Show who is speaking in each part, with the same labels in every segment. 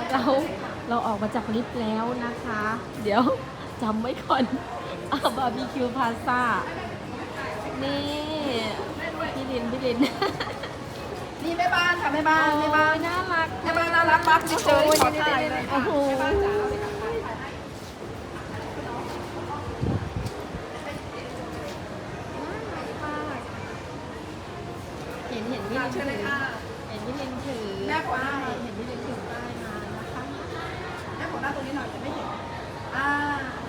Speaker 1: เราเราออกมาจากลิฟต์แล้วนะคะ เดี๋ยวจำไว้ก่อนบาร์บีคิวพาซ่านี่พี่ลิน
Speaker 2: นี่แม่บ้านค่ะแม่บ้านแม่บ้าน
Speaker 1: น่ารัก
Speaker 2: แม่บ้านน่ารักมากที่เจอขอถ่ายเลย
Speaker 1: โอ้
Speaker 2: ค่ะ
Speaker 1: โห
Speaker 2: แม่บ้านจ๋าเลยค่ะถ่ายให้
Speaker 1: เห็นพี่ลิน
Speaker 2: เชิญเลยค่ะ
Speaker 1: เห็นพี่ลินถือ
Speaker 2: แม่ขอหน้า
Speaker 1: ป้ายเห็นพี่ลินถือป้ายมานะคะ
Speaker 2: แม่ขอหน้าตรงนี้หน่อยจะไม่เห็นอ่า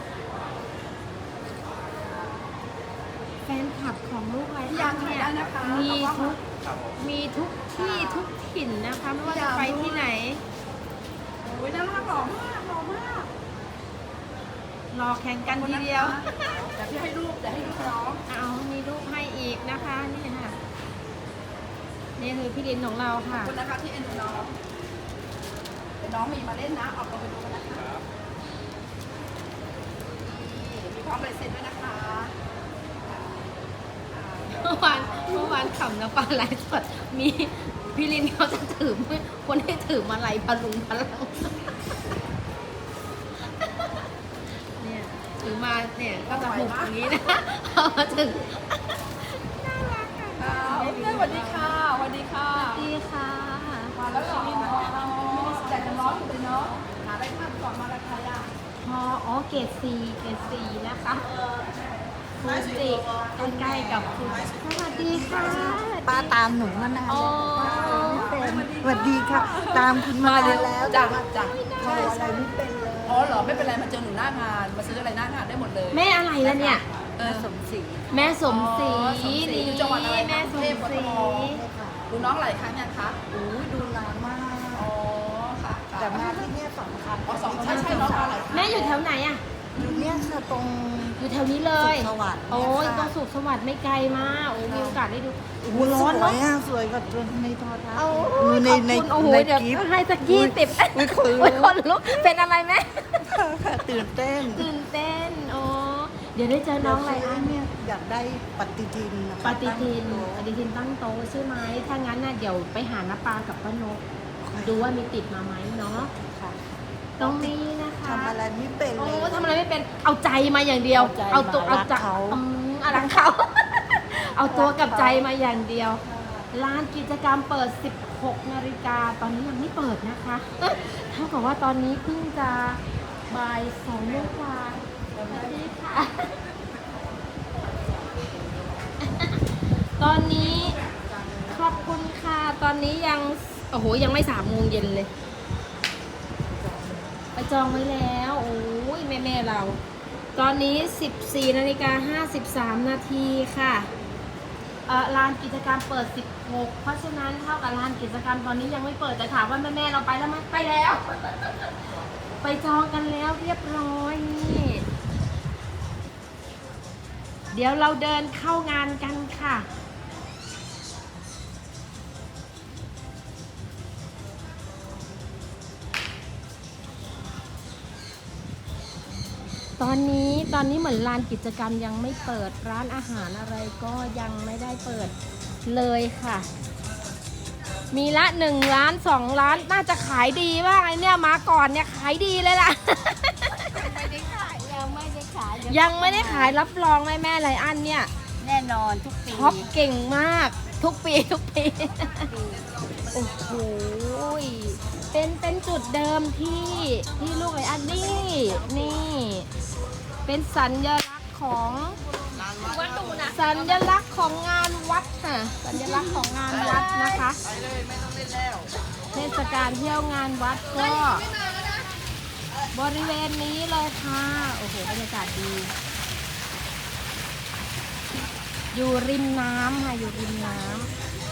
Speaker 1: แฟนคลับของลูกไร
Speaker 2: พี่ยามถ่ายได้นะคะ
Speaker 1: มี
Speaker 2: เอากล้
Speaker 1: ทุ
Speaker 2: อง
Speaker 1: กมีทุกที่ทุกถิ่นนะคะไม่ว่าจะไปที่ไหน
Speaker 2: โอ้ยน่ารักหล่อมากหล่อมาก
Speaker 1: รอแข่งกันทีเดียว
Speaker 2: เดี๋ยวพี่ให้รูปเดี๋ยวให้รูปน้อง
Speaker 1: เอามีรูปให้อีกนะคะนี่ค่ะนี่คือพี่ลินของเรา
Speaker 2: ขอ
Speaker 1: ค่ะ
Speaker 2: บคุณนะคะที่เอ็นดูน้องเดี๋ยวน้องมีมาเล่นนะออกตัวไปดูกันนะคะนี่มีพร้อมลายเซ็นด้วยนะคะ
Speaker 1: เมื่อวานขำนะปลาไหลฟ์สดมีพี่ลินเขาจะถือคนให้ถือมาลัยพลุงพลังเนี่ยถือมาเนี่ยก็จะหุบอย่างนี้นะเอามาถึงน่ารักค่ะ
Speaker 2: สวัสดีค่ะสวัสดีค่ะ
Speaker 1: ดีค่ะ
Speaker 2: มาแล้วเหรออยากจะร้อนอยู่เลยเนาะหาอะไรทานก่อนมาราคาย่า
Speaker 1: อ๋อเกรดซีนะคะฟูจิใกล้ๆกับฟูจิสวัสดีค่ะ
Speaker 3: ป้าตามหนูมานาน
Speaker 1: อ๋อ
Speaker 3: เป็นสวัสดีค่ะ ตามคุณมาแล้ว
Speaker 2: จ้ะจ้ะ
Speaker 3: ใช่อะไรไม่เป็นเลย
Speaker 2: อ๋อเหรอไม่เป็นไรมาเจอหนูหน้างานมาซื้ออะไรหน้างานได้หมดเลย
Speaker 1: แม่อะไรล่ะเนี่ย
Speaker 2: เออ
Speaker 3: สมศรี
Speaker 1: แม่สมศรี
Speaker 2: อ๋อสมศรี
Speaker 1: นี่
Speaker 2: อยู่จังหวัดอะไรคะ
Speaker 1: แม่สม
Speaker 2: กรุงเทพ
Speaker 1: ศรี
Speaker 2: กทม ดูน้องหลายครั้งยังคะ
Speaker 3: อุ้ยดูนานมาก
Speaker 2: อ๋อค่ะ
Speaker 3: แต่มาที่เนี่ยสำคัญ
Speaker 2: อ๋อสองใช่ใช่น้องมาหลายครั้ง
Speaker 1: แม่อยู่แถวไหนอ่ะ
Speaker 3: อยู่เนี่ยค่ะตรง
Speaker 1: อยู่แถวนี้เลย
Speaker 3: สุขสวัสดิ์
Speaker 1: โอ้ย
Speaker 3: เนี่ยค่ะ
Speaker 1: ตรงสุขสวัสดิ์ไม่ไกลมากโอ้มีโอกาสได้ดู
Speaker 3: โอ้
Speaker 1: โอ้
Speaker 3: โห
Speaker 1: ร้
Speaker 3: ส
Speaker 1: อน
Speaker 3: ว
Speaker 1: เนาะ
Speaker 3: ยอ่ะสวยกว่าในโทรทัศน์
Speaker 1: เอา
Speaker 3: ดูใน
Speaker 1: ขอบ
Speaker 3: ใน
Speaker 1: คุณโอ้โห
Speaker 3: ใน
Speaker 1: เดี๋ยว
Speaker 3: คลิป
Speaker 1: ให้สัก20
Speaker 3: อุ้ยคน
Speaker 1: โอ้ย
Speaker 3: ลุ
Speaker 1: ค
Speaker 3: ก
Speaker 1: นลุกเป็นอะไรแม่
Speaker 3: ค่ะตื่นเต้น
Speaker 1: ตื่นเต้นโอ้เดี๋ยวได้เจอน้องอะไรอัน
Speaker 3: เนี่ยอยากได้ปฏิทินนะคะ
Speaker 1: ปฏิทินตั้งโต๊ะใช่ไหมถ้างั้นน่ะเดี๋ยวไปหาน้าปากับป้านกดูว่ามีติดมาไหมเนาะ
Speaker 3: ค่ะ
Speaker 1: ตรงนี้นะคะ
Speaker 3: ทำอะไรไม่เป็น
Speaker 1: โอ้
Speaker 3: เลย
Speaker 1: ทำอะไรไม่เป็นเอาใจมาอย่างเดียว
Speaker 3: เอาใจ
Speaker 1: ตัว
Speaker 3: มารักเขา
Speaker 1: รักเขา เอาตัวกับใจมาอย่างเดียวลานกิจกรรมเปิด 16 นาฬิกาตอนนี้ยังไม่เปิดนะคะเท่ากับว่าตอนนี้เพิ่งจะบ่าย2 โมงกว่าสวัสดีค่ะ ตอนนี้ขอบคุณค่ะ ตอนนี้ยังโอ้โหยังไม่3 โมงเย็นเลย ไปจองไว้แล้วโอ้ยแม่เรา ตอนนี้ 14 นาฬิกา 53 นาทีค่ะลานกิจกรรมเปิด 16 เพราะฉะนั้นเท่ากับลานกิจกรรมตอนนี้ยังไม่เปิดแต่ถามว่าแม่เราไปแล้วไหมไปแล้ว ไปจองกันแล้วเรียบร้อยนี่เดี๋ยวเราเดินเข้างานกันค่ะ ตอนนี้เหมือนลานกิจกรรมยังไม่เปิดร้านอาหารอะไรก็ยังไม่ได้เปิดเลยค่ะ มีละ1 ร้าน2 ร้านน่าจะขายดีมากไอเนี่ยมาก่อนเนี่ยขายดีเลยล่ะ
Speaker 3: ไม่ได้ขายยังไม่ได้ขาย
Speaker 1: ยังไม่ได้ขายรับรองแม่ไรอันเนี่ย
Speaker 3: แน่นอนทุกปี
Speaker 1: ช็อปเก่งมากทุกปี โอ้โหเป็นจุดเดิมที่ลูกไรอันนี่เป็นสัญลักษณ์ของสัญลักษณ์ของงานวัดค่ะสัญลักษณ์ของงานวัดนะคะเทศกาลเที่ยวงานวัดก็บริเวณนี้เลยค่ะโอ้โหบรรยากาศดีอยู่ริมน้ำค่ะอยู่ริมน้ำ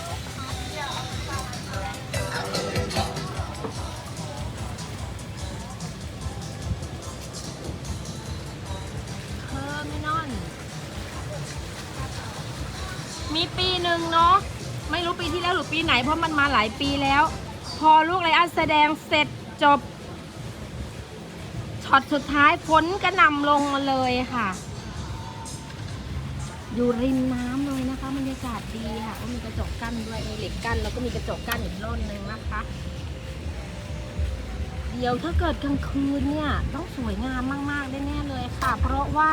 Speaker 1: มีปีหนึ่งเนาะไม่รู้ปีที่แล้วหรือปีไหนเพราะมันมาหลายปีแล้ว พอลูกไรอันแสดงเสร็จจบช็อตสุดท้ายฝนกระหน่ำลงมาเลยค่ะ อยู่ริมน้ำเลยนะคะบรรยากาศดีค่ะก็มีกระจกกั้นด้วยมีเหล็กกั้นแล้วก็มีกระจกกั้นอีกร่นหนึ่งนะคะดเดี๋ยวถ้าเกิดกลางคืนเนี่ยต้องสวยงามมากๆแน่ๆเลยค่ะ เพราะว่า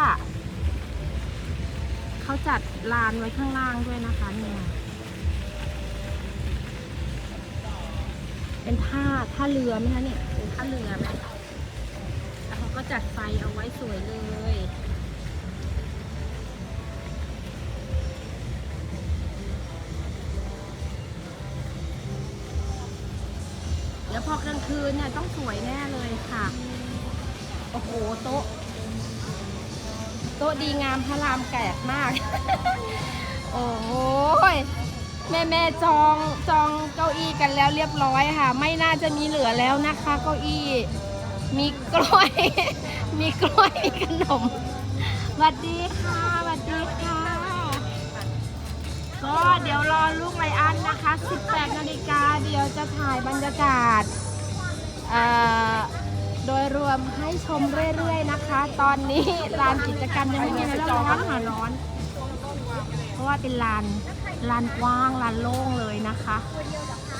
Speaker 1: เขาจัดลานไว้ข้างล่างด้วยนะคะเนี่ยเป็นท่าเรือไหมคะเนี่ยเป็นท่าเรือไหมแล้วเขาก็จัดไฟเอาไว้สวยเลยเดี๋ยวพอกลางคืนเนี่ยต้องสวยแน่เลยค่ะโอ้โหโต๊ะดีงามพระรามแกะมาก โอ้โหแม่จองเก้าอี้กันแล้วเรียบร้อยค่ะไม่น่าจะมีเหลือแล้วนะคะเก้าอี้มีกล้วย มีกล้วยมีขนมสวัสดีค่ะสวัสดีค่ะก็เดี๋ยวรอลูกไลอ้อนนะคะ18 นาฬิกาเดี๋ยวจะถ่ายบรรยากาศโดยรวมให้ชมเรื่อยๆนะคะตอนนี้ลานกิจกรรมยังไม่มีอะไรร้อนค่ะร้อนเพราะว่าเป็นลานกว้างลานโล่งเลยนะคะ